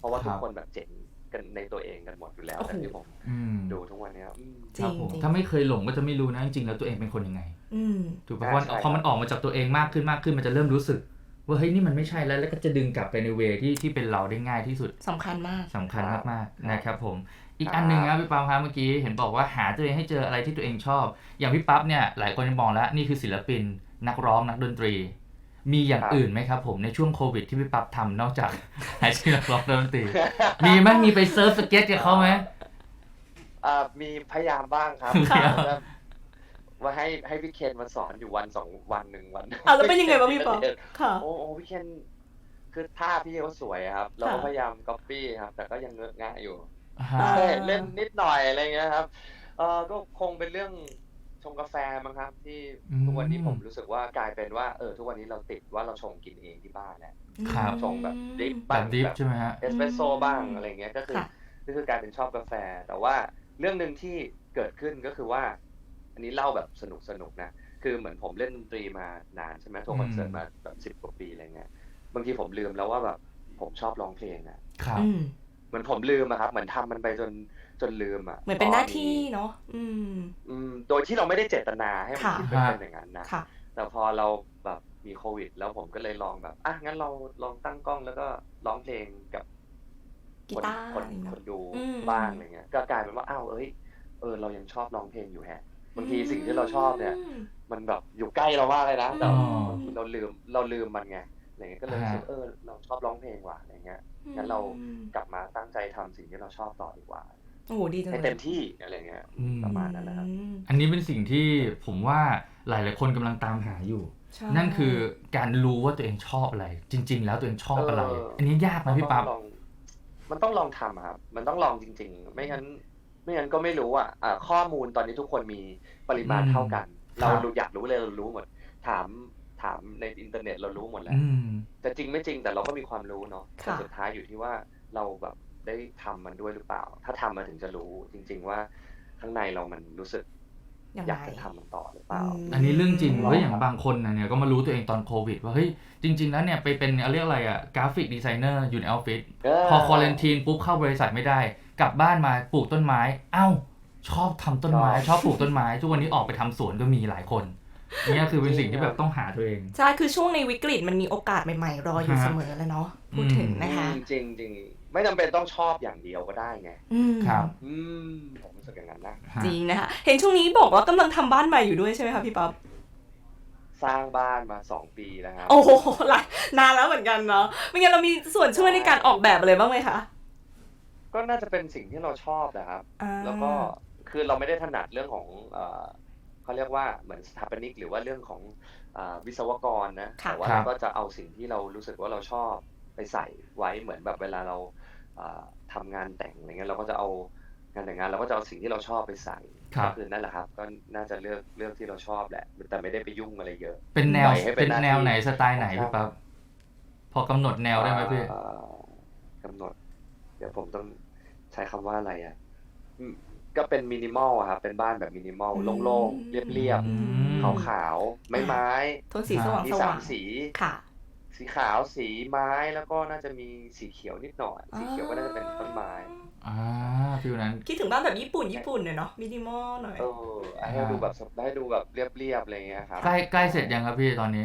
[SPEAKER 2] เพราะว่า
[SPEAKER 1] ครั
[SPEAKER 2] ทุก
[SPEAKER 1] บ
[SPEAKER 2] คนแบบเจ๋งกันในตัวเองกันหมดอยู่แล้ว
[SPEAKER 3] โอ้โห
[SPEAKER 2] แต่ที่ผม
[SPEAKER 1] อืม
[SPEAKER 2] ดูทุกวันเนี้ยอืม
[SPEAKER 3] จ
[SPEAKER 1] ค
[SPEAKER 3] ริ
[SPEAKER 1] รั
[SPEAKER 3] ง
[SPEAKER 1] บผม
[SPEAKER 3] จริง
[SPEAKER 1] ถ้าไม่เคยหลงก็จะไม่รู้นะจริงๆแล้วตัวเองเป็นคนยังไง
[SPEAKER 3] อืม
[SPEAKER 1] ถูกป่ะ
[SPEAKER 2] อ่า
[SPEAKER 1] เพราะ
[SPEAKER 2] ใช่
[SPEAKER 1] พอมัน
[SPEAKER 2] ครับ
[SPEAKER 1] ออกมาจากตัวเองมากขึ้นมากขึ้นมันจะเริ่มรู้สึก ว่าเฮ้ยนี่มันไม่ใช่แล้วแล้วก็จะดึงกลับไปในเวที่ที่เป็นเราได้ง่ายที่สุด
[SPEAKER 3] สำคัญมาก
[SPEAKER 1] สำคัญ
[SPEAKER 2] ครับ
[SPEAKER 1] มาก
[SPEAKER 2] ค
[SPEAKER 1] ๆ
[SPEAKER 2] รับ
[SPEAKER 1] นะครับผม อีก
[SPEAKER 2] ครับ
[SPEAKER 1] อันหนึ่งครับพี่ปั๊บครับเมื่อกี้เห็นบอกว่าหาตัวเองให้เจออะไรที่ตัวเองชอบ อย่างพี่ปั๊บเนี่ยหลายคนจะมองแล้วนี่คือศิลปิน นักร้องนักดนตรี มีอย่าง
[SPEAKER 2] ครับ
[SPEAKER 1] อื่นไหมครับผมในช่วงโควิดที่พี่ปั๊บทำนอกจาก อาชีพนักร้องนักดนตรี มีไหมมีไปเซิร์ฟสเก็ตกับเขาไหม
[SPEAKER 2] อ่ามีพยายามบ้างครับ
[SPEAKER 1] ค่ะ
[SPEAKER 2] ว่าว่าให้ให้พี่เคนมาสอนอยู่วันสองวันหนึ่งวัน
[SPEAKER 3] อ่ะแล้วเป็นยังไงบ้างพี่ป๊อป ค่ะ
[SPEAKER 2] โอ้โหพี่เคนคือท่าพี่เขาสวยครับ เราก็
[SPEAKER 3] ค่ะ
[SPEAKER 2] พยายามก๊อปปี้ครับ แต่ก็ยังเงอะงะอยู่
[SPEAKER 1] ฮะ
[SPEAKER 3] อ่า
[SPEAKER 2] ใช่เล่นนิดหน่อยอะไรเงี้ยครับเออก็คงเป็นเรื่องชงกาแฟมั้งครับ ที่
[SPEAKER 1] อืม
[SPEAKER 2] ทุกวันนี้ผมรู้สึกว่ากลายเป็นว่าเออทุกวันนี้เราติดว่าเราชงกินเองที่บ้านแหละ
[SPEAKER 1] ครับ
[SPEAKER 2] ชงแบบดริป
[SPEAKER 1] แบ
[SPEAKER 2] บ้าง
[SPEAKER 1] บดิฟ
[SPEAKER 2] แบบ
[SPEAKER 1] ใช่ไหมฮะ
[SPEAKER 2] เอสเปรสโซ่บ้างอะไรเงี้ยก็คือ
[SPEAKER 3] ค่ะ
[SPEAKER 2] ก็คือกลายเป็นชอบกาแฟ แต่ว่าเรื่องหนึ่งที่เกิดขึ้นก็คือว่า อันนี้เล่าแบบสนุกสนุกนะคือเหมือนผมเล่นดนตรีมานานใช่ไหมทัวร์คอนเสิร์ตมาแบบสิบกว่าปีอะไรเงี้ยบางทีผมลืมแล้วว่าแบบผมชอบร้องเพลงอะ
[SPEAKER 1] ครับ
[SPEAKER 3] อืม
[SPEAKER 2] เหมือนผมลืมอะครับเหมือนทำมันไปจนจนลืมอะ
[SPEAKER 3] เหมือนเป็นหน้าที่เนาะ อืม
[SPEAKER 2] อืมโดยที่เราไม่ได้เจตนาให้มัน
[SPEAKER 3] ค่ะ
[SPEAKER 2] คิดว่าเป็นอย่างนั้นนะ
[SPEAKER 3] ค่ะ
[SPEAKER 2] แต่พอเราแบบมีโควิด แล้วผมก็เลยลองแบบอ่ะงั้นเราลองตั้งกล้องแล้วก็ร้องเพลงกับ
[SPEAKER 3] กี
[SPEAKER 2] คน
[SPEAKER 3] ตาร์
[SPEAKER 2] คน
[SPEAKER 3] อะไรเนอะ
[SPEAKER 2] คนดู
[SPEAKER 3] อืม
[SPEAKER 2] บ้างอะไรเงี้ยก็กลายเป็นว่าอ้าวเอ้ยเออเรายังชอบร้องเพลงอยู่แฮะบางทีสิ่งที่เราชอบเนี่ย
[SPEAKER 3] ม
[SPEAKER 2] มันแบบอยู่ใกล้เรามากเลยนะแต่
[SPEAKER 1] อ๋อ
[SPEAKER 2] บางทีเราลืมเราลืมมันไงอะไรเงี้ยก็เลยรู้สึกเออเราชอบร้องเพลงว่ะอะไรเงี้ยงั้นเรากลับมาตั้งใจทำสิ่งที่เราชอบต่อดีกว่า
[SPEAKER 3] โอ้โหดีจัง
[SPEAKER 2] ให้
[SPEAKER 3] เลย
[SPEAKER 2] เต็มที่อะไรเงี้ย
[SPEAKER 1] อืม
[SPEAKER 2] ประมาณนั้นนะครับ
[SPEAKER 3] อืม
[SPEAKER 1] อันนี้เป็นสิ่งที่ผมว่าหลายๆคนกำลังตามหาอยู่
[SPEAKER 3] ใช่
[SPEAKER 1] นั่นคือการรู้ว่าตัวเองชอบอะไร จริง ๆ แล้วตัวเองชอบอะไร
[SPEAKER 2] เอออั
[SPEAKER 1] อันนี้ยากไหมพี่ปั๊บ
[SPEAKER 2] มันต้องลองมันต้องลองทำอะครับ มันต้องลองจริง ๆ ไม่งั้น ไม่งั้นก็ไม่รู้อ่ะอ่าข้อมูลตอนนี้ทุกคนมีปริมาณ
[SPEAKER 1] อืม
[SPEAKER 2] เท่ากัน
[SPEAKER 1] ครับ
[SPEAKER 2] เรารู้อยากรู้เลยเรารู้หมด ถามถามในอินเทอร์เน็ตเรารู้หมดแล้ว
[SPEAKER 1] อืม
[SPEAKER 2] แต่จริงไม่จริงแต่เราก็มีความรู้เนาะแต่
[SPEAKER 3] ค่ะ
[SPEAKER 2] สุดท้ายอยู่ที่ว่าเราแบบได้ทำมันด้วยหรือเปล่า ถ้าทำมันถึงจะรู้จริง ๆ ว่าข้างในเรามันรู้สึก
[SPEAKER 3] ยัง
[SPEAKER 2] อยาก
[SPEAKER 3] ไง
[SPEAKER 2] จะทำมันต่อหรือเปล่า
[SPEAKER 3] อืม
[SPEAKER 1] อันนี้เรื่องจริง
[SPEAKER 2] อืม
[SPEAKER 1] เฮ้ยอย่างบางคนนะเนี่ยก็มารู้ตัวเองตอนโควิด ว่าเฮ้ยจริง ๆ แล้วเนี่ยไปเป็นเรียกอะไรอะกราฟิกดีไซเนอร์อยู่ในออฟฟิศ
[SPEAKER 2] เออ
[SPEAKER 1] พอควอรันทีนปุ๊บเข้าบริษัทไม่ได้ กลับบ้านมาปลูกต้นไม้ เอ้า ชอบทำต้นไม้ ชอบปลูกต้นไม้ ทุกวันนี้ออกไปทำสวนก็มีหลายคนเนี่ยคือเป็นสิ่งที่แบบต้องหาตัวเอง
[SPEAKER 3] ใช่ คือช่วงในวิกฤตมันมีโอกาสใหม่ๆ รออยู่
[SPEAKER 1] ฮะ
[SPEAKER 3] เสมอแล้วเนาะ พูดถึงนะคะ
[SPEAKER 2] อืมจริงจริงๆไม่จำเป็นต้องชอบอย่างเดียวก็ได้ไง
[SPEAKER 3] อืม
[SPEAKER 1] ครับ
[SPEAKER 2] อืมผมรู้สึกอย่างนั้นนะ
[SPEAKER 3] จริงนะคะ เห็นช่วงนี้บอกว่ากำลังทำบ้านใหม่อยู่ด้วยใช่ไหมคะพี่ป๊อป
[SPEAKER 2] สร้างบ้านมาสองปีแล้วครับ
[SPEAKER 3] โอ้โหหลายนานแล้วเหมือนกันเนาะไม่งั้นเรามีส่วนช่วยในการออกแบบอะไรบ้างไหมคะ
[SPEAKER 2] ก็น่าจะเป็นสิ่งที่เราชอบนะครับ
[SPEAKER 3] อ่า
[SPEAKER 2] แล้วก็คือเราไม่ได้ถนัดเรื่องของเอ่อเขาเรียกว่าเหมือนสถาปนิกหรือว่าเรื่องของเอ่อวิศวกรนะ
[SPEAKER 3] ค่ะ
[SPEAKER 2] แต่ว่า
[SPEAKER 1] ครั
[SPEAKER 2] เรา
[SPEAKER 1] บ
[SPEAKER 2] ก็จะเอาสิ่งที่เรารู้สึกว่าเราชอบไปใส่ไว้เหมือนแบบเวลาเราเอ่อทำงานแต่งอะไรเงี้ยเราก็จะเอางานแต่งงานเราก็จะเอาสิ่งที่เราชอบไปใส่
[SPEAKER 1] ครับ
[SPEAKER 2] ก็คือนั่นแหละครับ ก็น่าจะเลือกเลือกที่เราชอบแหละ แต่ไม่ได้ไปยุ่งอะไรเยอะ
[SPEAKER 1] เป็นแนว
[SPEAKER 2] ปล่อยให้เป็
[SPEAKER 1] เป็น น
[SPEAKER 2] หน้าที่
[SPEAKER 1] แนวไหนสไตล์ไหนพี่ปั๊บพอกำหนดแนวได้ไหมพี่
[SPEAKER 2] เอ่อกำหนด เดี๋ยวผมต้องใช้คำว่าอะไรอ่ะอืมก็เป็นมินิมอลอะครับ เป็นบ้านแบบมินิมอล
[SPEAKER 3] อืม
[SPEAKER 2] โล่งๆ เรียบ
[SPEAKER 1] อืม
[SPEAKER 2] ๆ ขาวๆ ไม้ไม้
[SPEAKER 3] โทนสีสว่าง
[SPEAKER 2] มี
[SPEAKER 3] ส
[SPEAKER 2] สา
[SPEAKER 3] ว่าม ง
[SPEAKER 2] สี
[SPEAKER 3] ค่ะ
[SPEAKER 2] สีขาวสีไม้แล้วก็น่าจะมีสีเขียวนิดหน่อย สีเขียวก็น่าจะเป็นต้นไม้
[SPEAKER 1] อ่าฟิลนั้น
[SPEAKER 3] คิดถึงบ้านแบบญี่ปุ่นญี่ปุ่นหน่อยเนาะมินิมอลหน่อย
[SPEAKER 2] เออให้ดูแบบให้ดูแบบเรียบๆอะไรเงี้ยครับ
[SPEAKER 1] ใกล้ใกล้เสร็จยังครับพี่ตอนนี้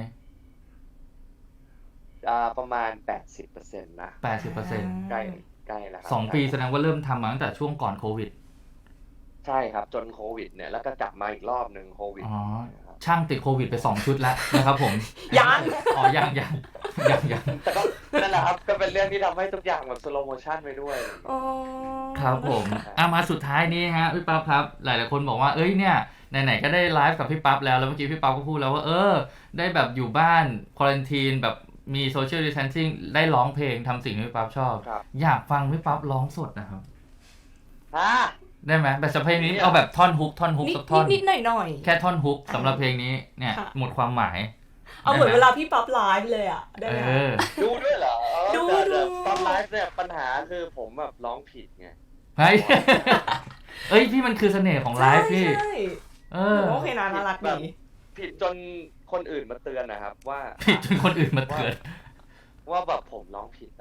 [SPEAKER 2] อ่าประมาณ แปดสิบเปอร์เซ็นต์ นะ
[SPEAKER 1] แปดสิบเปอร์เซ็นต์
[SPEAKER 2] ใกล้ใกล้แล้วครับ
[SPEAKER 1] สองปี
[SPEAKER 2] ใก
[SPEAKER 1] แส
[SPEAKER 2] ล้
[SPEAKER 1] ดงว่าเริ่มทำมาตั้งแต่ช่วงก่อนโควิด
[SPEAKER 2] ใช่ครับ จนโควิดเนี่ยแล้วก็กลับมาอีกรอบหนึ่งโควิด
[SPEAKER 1] อ๋อ
[SPEAKER 2] นะครับ
[SPEAKER 1] ช่างติดโควิดไปสองชุดแล้วนะครับผม
[SPEAKER 3] ยัง
[SPEAKER 1] อ๋อยังยังยังยัง
[SPEAKER 2] แต่ก็นั่นแหละครับก็เป็นเรื่องที่ทำให้ทุกอย่างแบบสโลโมชันไปด้วย
[SPEAKER 3] อ๋อ
[SPEAKER 1] ครับผมอ่ะมาสุดท้ายนี้ฮะพี่ปั๊บครับ หลายๆคนบอกว่าเอ้ยเนี่ยไหนๆก็ได้ไลฟ์กับพี่ปั๊บแล้วแล้วเมื่อกี้พี่ปั๊บก็พูดแล้วว่าเออได้แบบอยู่บ้านควอรันทีนแบบมีโซเชียลดิสแทนซิ่งได้ร้องเพลงทำสิ่งที่พี่ปั๊บชอบ
[SPEAKER 2] ครับ
[SPEAKER 1] อยากฟังพี่ปั๊บร้องสดนะครับ
[SPEAKER 2] ฮะ
[SPEAKER 1] ได้ไหมแบบสำหรับเพลงนี้เอาแบบท่อนฮุกท่อนฮุก
[SPEAKER 3] นิด
[SPEAKER 1] สักท่อน
[SPEAKER 3] นิดหน่อยหน่อย
[SPEAKER 1] แค่ท่อนฮุกสำหรับเพลงนี้เนี่ย
[SPEAKER 3] ค่ะ
[SPEAKER 1] หมดความหมาย
[SPEAKER 3] เอาเหมือน
[SPEAKER 1] ได้
[SPEAKER 3] เว
[SPEAKER 1] ไหม
[SPEAKER 3] ลาพี่ป๊อปไลฟ์เลยอ่ะ ได้
[SPEAKER 1] เอ
[SPEAKER 3] ไหม
[SPEAKER 1] อ
[SPEAKER 2] ดูด้วยเหรอเออ
[SPEAKER 3] ดู
[SPEAKER 2] แต่แต่
[SPEAKER 3] ดู
[SPEAKER 2] ตอนไลฟ์เนี่ยปัญหาคือผมแบบร้องผิดไง
[SPEAKER 1] เฮ้ย เอ้ยพี่มันคือเสน่ห์ของไลฟ์พี่
[SPEAKER 3] ใช่
[SPEAKER 1] เอ
[SPEAKER 3] ใช่
[SPEAKER 1] อ
[SPEAKER 3] โอเคนะน่ารักดี
[SPEAKER 2] ผิดจนคนอื่นมาเตือนนะครับ ว่า
[SPEAKER 1] ผิดจนคนอื่นมาเตือน
[SPEAKER 2] ว่าแบบผมร้องผิดอ่ะ
[SPEAKER 3] เ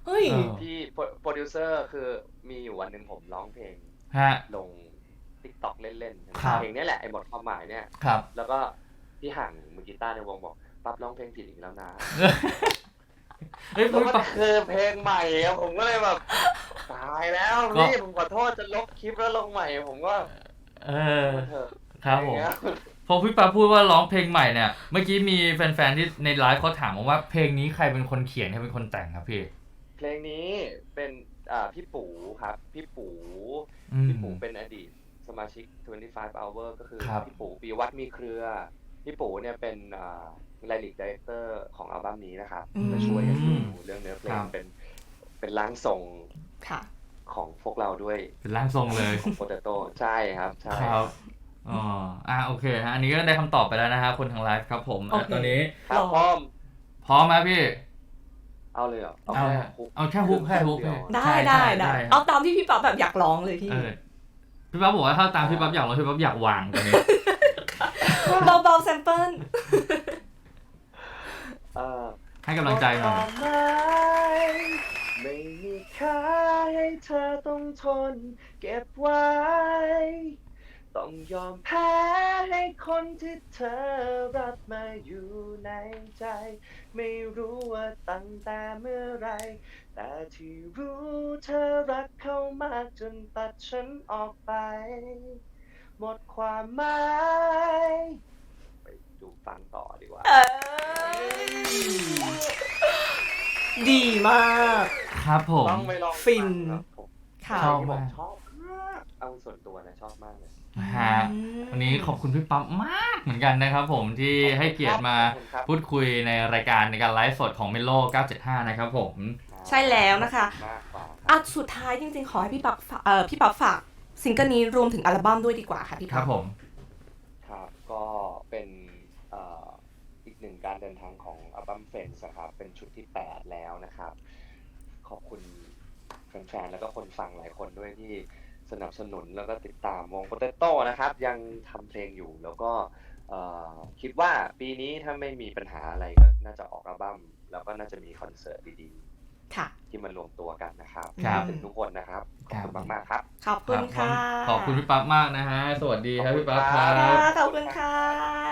[SPEAKER 3] เฮ้ย
[SPEAKER 1] เออ
[SPEAKER 2] พี่โปรดิวเซอร์คือมีอยู่วันหนึ่งผมร้องเพลง
[SPEAKER 1] ฮะ
[SPEAKER 2] ลง TikTok เล่นๆ
[SPEAKER 1] ครับ
[SPEAKER 2] เพลงนี้แหละไอ้หมดความหมายเนี่ย
[SPEAKER 1] ครับ
[SPEAKER 2] แล้วก็พี่ห่างมือกีตาร์ในวงบอกปั๊บร้องเพลงผิดอีกแล้วนะ
[SPEAKER 1] เฮ้ย
[SPEAKER 2] แล้ว
[SPEAKER 1] พี่
[SPEAKER 2] ก็
[SPEAKER 1] ปั๊บ
[SPEAKER 2] คือเพลงใหม่อะผมก็เลยแบบตายแล้ว
[SPEAKER 1] ก็
[SPEAKER 2] พี่ผมขอโทษจะลบคลิปแล้วลงใหม่ผมก็
[SPEAKER 1] เออ
[SPEAKER 2] เถอะ
[SPEAKER 1] ครับผม
[SPEAKER 2] อย่างเงี้ย
[SPEAKER 1] พอพี่ปั๊บพูดว่าร้องเพลงใหม่เนี่ย เมื่อกี้มีแฟนๆที่ในไลฟ์เขาถามว่าเพลงนี้ใครเป็นคนเขียนใครเป็นคนแต่งครับพี่
[SPEAKER 2] เพลงนี้เป็นอ่าพี่ปูครับพี่ปู
[SPEAKER 1] อืม
[SPEAKER 2] พี่ปูเป็นอดีตสมาชิกยี่สิบห้า hour ก็คือ
[SPEAKER 1] ครับ
[SPEAKER 2] พี่ปูปีวัฒน์มีเครือ พี่ปูเนี่ยเป็นอ่าไลลิกไดเรคเตอร์ของอัลบั้มนี้นะครับ
[SPEAKER 3] อืม
[SPEAKER 2] มาช่วยกันดูเรื่องเนื้อเพล
[SPEAKER 1] ค
[SPEAKER 2] ง
[SPEAKER 1] รับ
[SPEAKER 2] เป็นเป็นร่างทรง
[SPEAKER 3] ค่ะ
[SPEAKER 2] ของพวกเราด้วย
[SPEAKER 1] เป็นร่างทรงเลย
[SPEAKER 2] ของโปเตโต้ใช่ครับใช่
[SPEAKER 1] ครับ อ๋อ อ่ะโอเคฮะ อันนี้ก็ได้คำตอบไปแล้วนะฮะคนทางไลฟ์ครับผม
[SPEAKER 3] โอเค
[SPEAKER 1] อ่ะตอนนี้
[SPEAKER 2] ครับพร้อม
[SPEAKER 1] พร้อมไหมพี่
[SPEAKER 2] เอาเลยเหรอ
[SPEAKER 1] เอา
[SPEAKER 2] แค่ฮุก
[SPEAKER 1] เอาแค่ฮุกแค่ฮุก
[SPEAKER 2] เดียว
[SPEAKER 3] ได้
[SPEAKER 1] ใช่
[SPEAKER 3] ได้
[SPEAKER 1] ใช่
[SPEAKER 3] ได้
[SPEAKER 1] ได้
[SPEAKER 3] เอาตามที่พี่ป๊อปแบบอยากร้องเลยพี่
[SPEAKER 1] เออพี่ปั๊บบอกว่าถ้าตามพี่ปั๊บอยากร้องพี่ปั๊บอยากวางตอนนี้
[SPEAKER 3] เบาๆแซมเปิล
[SPEAKER 2] เอ่อ
[SPEAKER 1] ให้กำลังใจหน่อย
[SPEAKER 2] ดกไม้ไม่มีค่าให้เธอต้องทน เก็บไว้ ต้องยอมแพ้ให้คนที่เธอรับมาอยู่ในใจ ไม่รู้ว่าตั้งแต่เมื่อไร แต่ที่รู้เธอรักเขามากจนตัดฉันออกไป หมดความหมายไปดูฟังต่อดีกว่า
[SPEAKER 3] เอ้ยดีมาก
[SPEAKER 1] ครับผม
[SPEAKER 2] ต้องไปลอง
[SPEAKER 3] ฟิน
[SPEAKER 2] ฟังครับผม
[SPEAKER 3] ค่ะ
[SPEAKER 1] ชอบ
[SPEAKER 2] ที่ผม
[SPEAKER 1] มาก
[SPEAKER 2] ชอบมากเอาส่วนตัวนะชอบมากเลย
[SPEAKER 1] ฮะวันนี้ขอบคุณพี่ปั๊บมากเหมือนกันนะครับผมที่ให้เกียรติมา
[SPEAKER 2] ขอบคุณครับ
[SPEAKER 1] พูดคุยในรายการในการไลฟ์สดของเมโลเก้าเจ็ดห้านะครับผม
[SPEAKER 3] ใช่แล้วนะคะ
[SPEAKER 2] ขอบณมากกว่า
[SPEAKER 3] อ่ะสุดท้ายจริงๆ ขอให้พี่ป๊อปฝากเอ่อพี่ป๊อปฝากซิงเกิลนี้รวมถึงอัลบั้มด้วยดีกว่าค่ะพี่
[SPEAKER 1] ค
[SPEAKER 3] ป๊
[SPEAKER 1] รั
[SPEAKER 3] อบ ป
[SPEAKER 1] ผม
[SPEAKER 2] ครับก็เป็นเอ่ออีกหนึ่งการเดินทางของอัลบั้มเฟนส์นะครับเป็นชุดที่แปดแล้วนะครับ ขอบคุณแฟนๆแล้วก็คนฟังหลายคนด้วยที่สนับสนุนแล้วก็ติดตามวงโปเตโต้นะครับ ยังทำเพลงอยู่แล้วก็เอ่อคิดว่าปีนี้ถ้าไม่มีปัญหาอะไรก็น่าจะออกอัลบั้มแล้วก็น่าจะมีคอนเสิร์ตดี
[SPEAKER 3] ค่ะ
[SPEAKER 2] ๆ ที่มารวมตัวกันนะครับ
[SPEAKER 1] ครับ
[SPEAKER 2] ถึงทุกคนนะครับ ขอบคุณมากๆครับ
[SPEAKER 3] ขอบคุณค่ะ
[SPEAKER 1] ขอบคุณพี่ปั๊บมากนะฮะ สวัสดีครับพี่ปั๊บครั
[SPEAKER 3] ค่ะ
[SPEAKER 1] บ
[SPEAKER 3] ขอบคุณค่ะ